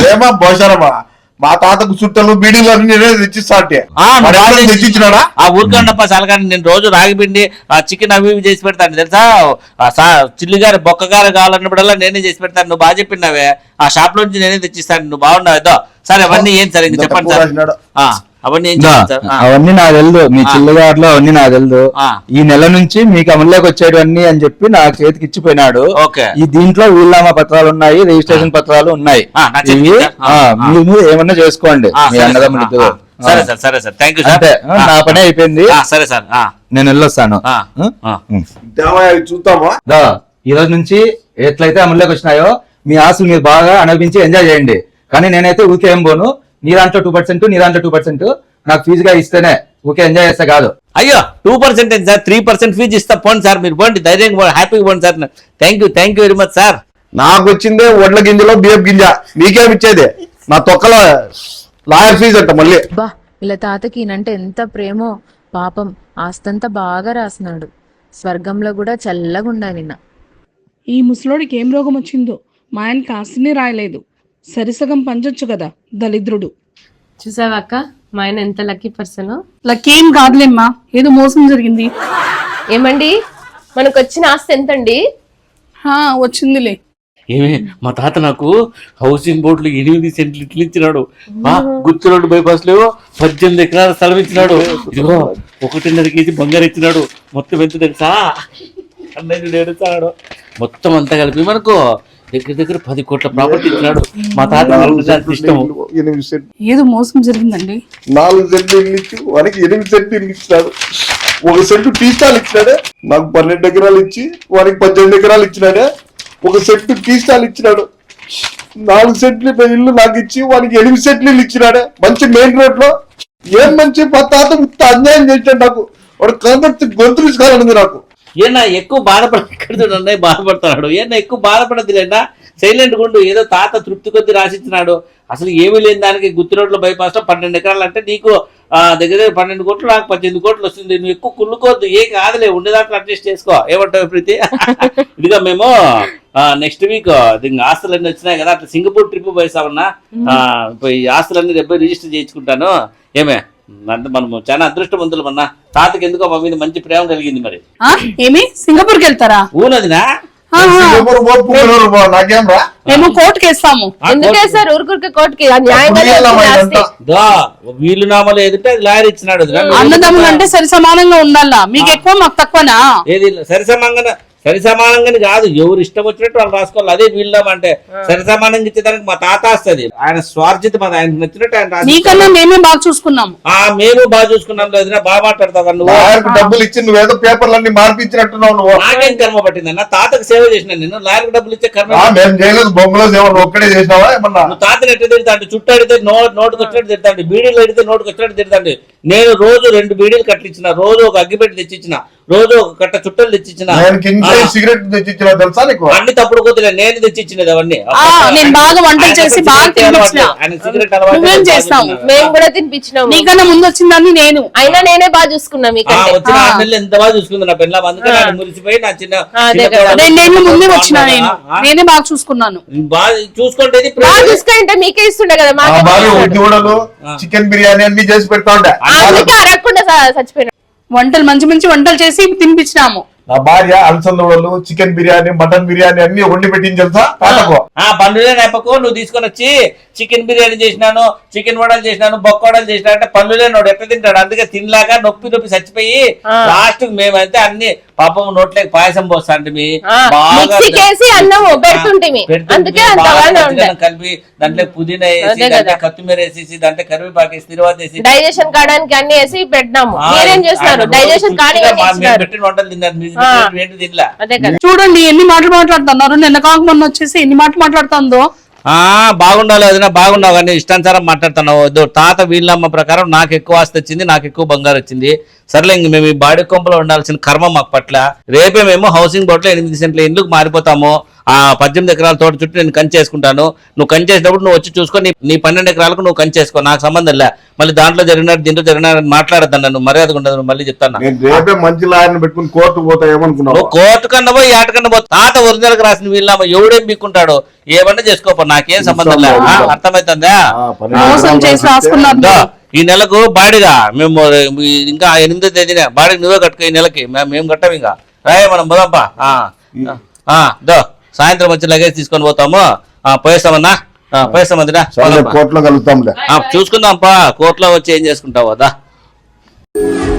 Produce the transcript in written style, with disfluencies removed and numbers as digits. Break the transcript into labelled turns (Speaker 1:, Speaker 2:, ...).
Speaker 1: ఏమా భోజనమా మా తాతకు చుట్టలు బీడీలు అన్ని తెచ్చిస్తా తెచ్చిచ్చినాడా?
Speaker 2: ఆ ఊరికన్నప్ప సలకాని నేను రోజు రాగి పిండి ఆ చికెన్ అవి ఇవి చేసి పెడతాను తెలుసా. చిల్లిగారు బొక్కగారు కావాలన్నప్పుడల్లా నేనే చేసి పెడతాను. నువ్వు బాగా చెప్పినావే, ఆ షాప్ లో నుంచి నేనే తెచ్చిస్తాను. నువ్వు బాగున్నావు ఏదో. సరే అవన్నీ ఏం సార్ ఇంక చెప్పండి సార్. అవన్నీ ఏం సార్?
Speaker 3: అవన్నీ నాకు తెలుదు, మీ చిల్లుగారులో అవన్నీ నాకు తెలుదు. ఈ నెల నుంచి మీకు అమల్లోకి వచ్చేటివన్నీ అని చెప్పి నా చేతికి ఇచ్చిపోయినాడు. ఈ దీంట్లో వీళ్ళనామా పత్రాలు ఉన్నాయి, రిజిస్ట్రేషన్ పత్రాలు ఉన్నాయి. మీరు ఏమన్నా చేసుకోండి మీ అన్నదమ్ములతో.
Speaker 2: సరే సార్, సరే సార్, థ్యాంక్ యూ సార్.
Speaker 3: నా పని అయిపోయింది.
Speaker 2: సరే సార్,
Speaker 3: నేను వెళ్ళొస్తాను.
Speaker 1: చూద్దామా?
Speaker 3: ఈ రోజు నుంచి ఎట్లయితే అమల్లోకి వచ్చినాయో మీ ఆశలు మీరు బాగా అనిపించి ఎంజాయ్ చేయండి. కానీ నేనైతే ఊరికే ఏం పోను. నీ దాంట్లో 2%, నీ దాంట్లో 2% నాకు ఫీజుగా ఇస్తేనే ఊకే ఎంజాయ్ చేస్తే కాదు.
Speaker 2: అయ్యో 2% సార్, 3% ఫీజు ఇస్తా పోండి సార్. మీరు పోండి, ధైర్యంగా హ్యాపీగా పోండి sir. Thank you very much sir.
Speaker 1: నాకు వచ్చిందే వడ్ల గింజలో బియ్యం గింజ, మీకేమిచ్చేది? నా తొక్కలో లాయర్ ఫీజు అంట మళ్ళీ.
Speaker 4: బా వీళ్ళ తాతకి ఈయనంటే ఎంత ప్రేమో. పాపం ఆస్తంతా బాగా రాసినాడు. స్వర్గంలో కూడా చల్లగా ఉండాలి నిన్న.
Speaker 5: ఈ ముసలోడికి ఏం రోగం వచ్చిందో మా ఆయన కాస్తిని రాయలేదు. సరిసగం పంచొచ్చు కదా దళిద్రుడు.
Speaker 6: చూసావా అక్క, మా ఆయన ఎంత లక్కీ పర్సన్.
Speaker 5: లక్కేం కాదులేమ్మా, ఏదో మోసం జరిగింది.
Speaker 6: ఏమండి మనకు వచ్చిన ఆస్తి ఎంతండి?
Speaker 5: వచ్చిందిలే.
Speaker 2: ఏమే మా తాత నాకు హౌసింగ్ బోర్డులో 8 సెంట్లు ఇట్లు ఇచ్చినాడు. గుత్తురోడ్డు బైపాస్ లో 18 ఎకరాల స్థలం ఇచ్చినాడు. ఇదిగో 1.5 కేజీ బంగారు ఇచ్చినాడు. మొత్తం ఎంత తెలుసా? 12 చాడు. మొత్తం అంతా కలిపి మనకు దగ్గర 10 కోట్ల ప్రాపర్టీ ఇచ్చినాడు. మా తాత ఇష్టం.
Speaker 5: ఏదో మోసం జరిగిందండి.
Speaker 1: 4 సెంట్లు ఇల్లు ఇచ్చి వానికి 8 సెంట్లు ఇల్లు ఇచ్చినాడు. 1 సెంటు టీ స్టాల్ ఇచ్చినాడే. నాకు 12 ఎకరాలు ఇచ్చి వానికి 18 ఎకరాలు ఇచ్చినాడే. 1 సెంటు టీ స్టాల్ ఇచ్చినాడు. 4 సెంట్లు ఇల్లు నాకు ఇచ్చి వానికి 8 సెంట్లు ఇల్లు ఇచ్చినాడే. మంచి మెయిన్ రోడ్ లో. ఏం మంచి మా తాత అన్యాయం చేశాడు నాకు. వాడు కాబట్టి గొంతు తీసుకోవాలనుంది నాకు.
Speaker 2: ఏనా ఎక్కువ బాధపడకుండా బాధపడుతున్నాడు. ఏనా ఎక్కువ బాధపడద్దులేనా, సైలెంట్ గుండు. ఏదో తాత తృప్తి కొద్ది రాసిచ్చినాడు. అసలు ఏమీ లేని దానికి గుత్తి రోడ్ల బైపాస్ లో 12 ఎకరాలు అంటే నీకు దగ్గర 12 కోట్లు, నాకు 18 కోట్లు వస్తుంది. నువ్వు ఎక్కువ కుళ్ళుకోవద్దు. ఏ కాదులే, ఉండేదాంట్లో అడ్జస్ట్ చేసుకో. ఏమంటావు ప్రీతి? ఇదిగా మేము నెక్స్ట్ వీక్ ఆస్తులన్నీ వచ్చినాయి కదా, అట్లా సింగపూర్ ట్రిప్ పోయిస్తామన్నా. ఈ ఆస్తులన్నీ రేపు రిజిస్టర్ చేయించుకుంటాను. ఏమే మనము చాలా అదృష్టవంతులు అన్నా. తాతకి ఎందుకో మా మీద మంచి ప్రేమ కలిగింది. మరి
Speaker 5: ఏమి సింగపూర్కి వెళ్తారా?
Speaker 2: ఊనదినా
Speaker 1: నాకేం రా,
Speaker 5: మేము కోర్టుకి వేస్తాము.
Speaker 6: ఎందుకేసారు ఊరుకురికి కోర్టుకి?
Speaker 2: వీళ్ళు నామాలు ఏదంటే అది లాయర్ ఇచ్చినాడు.
Speaker 5: అన్నదమ్ములు అంటే సరి సమానంగా ఉండాలా. మీకు ఎక్కువ మాకు తక్కువనా?
Speaker 2: ఏది సరి సమానంగానే కాదు, ఎవరు ఇష్టం వచ్చినట్టు వాళ్ళు రాసుకోవాలి. అదే వీళ్ళం అంటే సరి సమానంగా ఇచ్చేదానికి మా తాత వస్తుంది. ఆయన స్వార్థిత మాది, ఆయనకు నచ్చినట్టు ఆయన
Speaker 5: నీకన్నా మేమే బాగా చూసుకున్నాము.
Speaker 2: మేము బాగా చూసుకున్నాం. లేదు బాగా మాట్లాడతావు నువ్వు.
Speaker 1: డబ్బులు ఇచ్చి నువ్వేదో పేపర్లన్నీ మార్పించినట్టున్నావు నువ్వు.
Speaker 2: నాకేం కర్మ పట్టిందన్న? తాతకు సేవ చేసిన నేను. లాయర్కి డబ్బులు ఇచ్చే కర్మ
Speaker 1: మేము చేయలేదు. బొమ్మలో సేవ ఒక్కడే చేసినావా ఏమన్నా?
Speaker 2: నువ్వు తాతను ఎట్లా తిడతాండి? చుట్టూ అడితే నోటుకు వచ్చినట్టు తిడతాండి, బీడీలు అడితే నోటుకు వచ్చినట్టు తిడతాండి. నేను రోజు 2 బీడీలు కట్టించిన, రోజు ఒక అగ్గిపెట్టి తెచ్చిచ్చిన, రోజు ఒక కట్ట చుట్టలు తెచ్చిచ్చిన.
Speaker 1: సిగరెట్ తెచ్చిచ్చిన తెలుసా నీకు?
Speaker 2: అన్ని తప్పుడు కొద్దిగా నేను తెచ్చిచ్చినది అవన్నీ.
Speaker 5: నేను బాగా వంటలు చేసి బాగా తినిపించిన.
Speaker 6: మేము కూడా తినిపించినాము.
Speaker 5: నీకన్నా ముందు వచ్చిందని నేను.
Speaker 6: అయినా నేనే బాగా చూసుకున్నా.
Speaker 2: వచ్చిన 6 నెలలు ఎంత బాగా చూసుకుంది నా పిల్ల. అందుకని ఆయన మురిసిపోయి నా చిన్న
Speaker 5: 2 ముందే వచ్చిన నేనే బాగా చూసుకున్నాను.
Speaker 2: బాగా చూసుకుంటే
Speaker 6: చూసుకుంటే మీకే ఇస్తుండే కదా.
Speaker 1: చికెన్ బిర్యానీ అన్ని చేసి పెడతా ఉంటా.
Speaker 6: అరగకుండా చచ్చిపోయినా.
Speaker 5: వంటలు మంచి మంచి వంటలు చేసి తినిపించినాము.
Speaker 1: నా భార్య అలసందలు, చికెన్ బిర్యానీ, మటన్ బిర్యానీ అన్ని వండి పెట్టింది తెలుసా తాతకు.
Speaker 2: పండుగ నేపకు నువ్వు తీసుకొని వచ్చి చికెన్ బిర్యానీ చేసినాను, చికెన్ వడలు చేసినాను, బొక్క వడలు చేసినా అంటే పనులేనోడు ఎట్లా తింటాడు? అందుకే తినలాక నొప్పి చచ్చిపోయి లాస్ట్ మేమైతే అన్ని పాపం నోట్లేక పాయసం పోస్తాంటే కలిపి దాంట్లో పుదీనా వేసి, దాంట్లో కొత్తిమీర వేసేసి, దాంట్లో కరివేపాకు వేసి, తిరువాత వేసి
Speaker 6: డైజెషన్ కావడానికి అన్ని వేసి పెట్టినాము. మీరేం చేస్తున్నారు? డైజెషన్
Speaker 2: పెట్టిన వంటలు తిన్నారు.
Speaker 5: చూడండి ఎన్ని మాటలు మాట్లాడుతున్నారు. నిన్న కాక మొన్న వచ్చేసి ఎన్ని మాటలు మాట్లాడుతుందో.
Speaker 2: బాగుండాలి అదినా, బాగున్నావు కానీ ఇష్టానుసారం మాట్లాడుతున్నావు. తాత వీళ్ళమ్మ ప్రకారం నాకు ఎక్కువ ఆస్తి వచ్చింది, నాకు ఎక్కువ బంగారు వచ్చింది. సర్లే ఇంక మేము ఈ బాడీ కొంపలో ఉండాల్సిన కర్మ మాకు పట్ల. రేపే మేము హౌసింగ్ బోర్డులో 8 సెంట్ల ఇండ్లకు మారిపోతాము. ఆ 18 ఎకరాల తోట చుట్టూ నేను కంచేసుకుంటాను, నువ్వు కంచేసినప్పుడు నువ్వు వచ్చి చూసుకో, నీ 12 ఎకరాలకు నువ్వు కంచేసుకో, నాకు సంబంధం లే. మళ్ళీ దాంట్లో జరిగినట్టు దీంట్లో జరిగినట్టు మాట్లాడద్దాను, నన్ను మర్యాదగా ఉండదు. నువ్వు మళ్ళీ చెప్తాను,
Speaker 1: నేను రేపే మంచి లాయర్ని పెట్టుకుని కోర్టుకు పోతా ఏమనుకున్నావు?
Speaker 2: నువ్వు కోర్టు కన్నా పోయి ఏటకన్నా పో, తాత ఒరిజినల్ రాసిన వీళ్ళ ఎవడేం మీకుంటాడు, ఏమన్నా చేసుకోపో, నాకేం సంబంధం లే. అర్థమవుతుందా?
Speaker 5: మోసం చేసి రాసుకున్నారు.
Speaker 2: ఈ నెలకు బాడిగా మేము ఇంకా 8వ తేదీన బాడిగ నువ్వే కట్టుకో, ఈ నెలకి మేము కట్టాం. ఇంకా రాయే మనం పోదాంపా. దో సాయంత్రం వచ్చి లగేజ్ తీసుకొని పోతాము, పోయేస్తామన్నా, పోయేస్తామందిరా,
Speaker 1: కోర్టులో కలుగుతాంలే.
Speaker 2: చూసుకుందాంపా, కోర్టులో వచ్చి ఏం చేసుకుంటావు అదా.